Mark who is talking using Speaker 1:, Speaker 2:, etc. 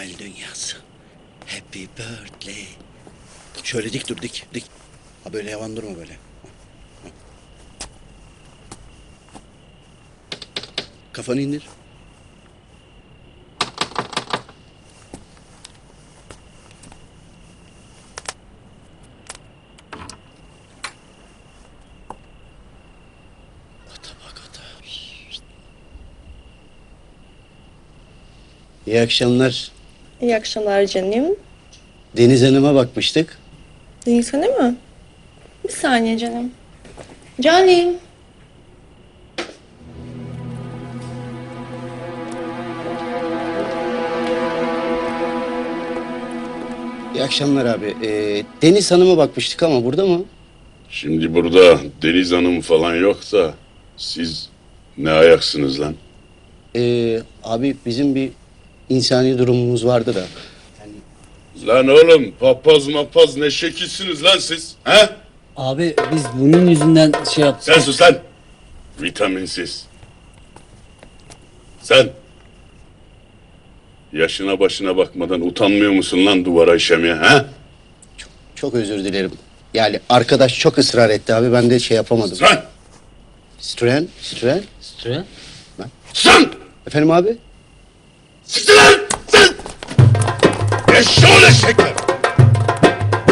Speaker 1: Noel dünyası. Happy birthday. Şöyle dik dur, dik, dik. Ha böyle yavan durma böyle. Kafanı indir. Ata bak ata. İyi akşamlar.
Speaker 2: İyi akşamlar canım.
Speaker 1: Deniz Hanım'a bakmıştık.
Speaker 2: Deniz Hanım mı? Bir saniye canım. Canım.
Speaker 1: İyi akşamlar abi. Deniz Hanım'a bakmıştık ama burada mı?
Speaker 3: Şimdi burada Deniz Hanım falan yoksa siz ne ayaksınız lan?
Speaker 1: Abi bizim bir insani durumumuz vardı da.
Speaker 3: Lan oğlum papaz mapaz ne şekilsiniz lan siz? He?
Speaker 4: Abi biz bunun yüzünden şey yaptık.
Speaker 3: Sen sus lan. Vitaminsiz. Sen. Yaşına başına bakmadan utanmıyor musun lan duvara işemeye he?
Speaker 1: Çok özür dilerim. Yani arkadaş çok ısrar etti abi. Ben de şey yapamadım.
Speaker 3: Sen.
Speaker 1: Stren.
Speaker 4: Süre.
Speaker 3: Sen.
Speaker 1: Efendim abi?
Speaker 3: Siktir lan. Sen. Eşşoğlu eşekler.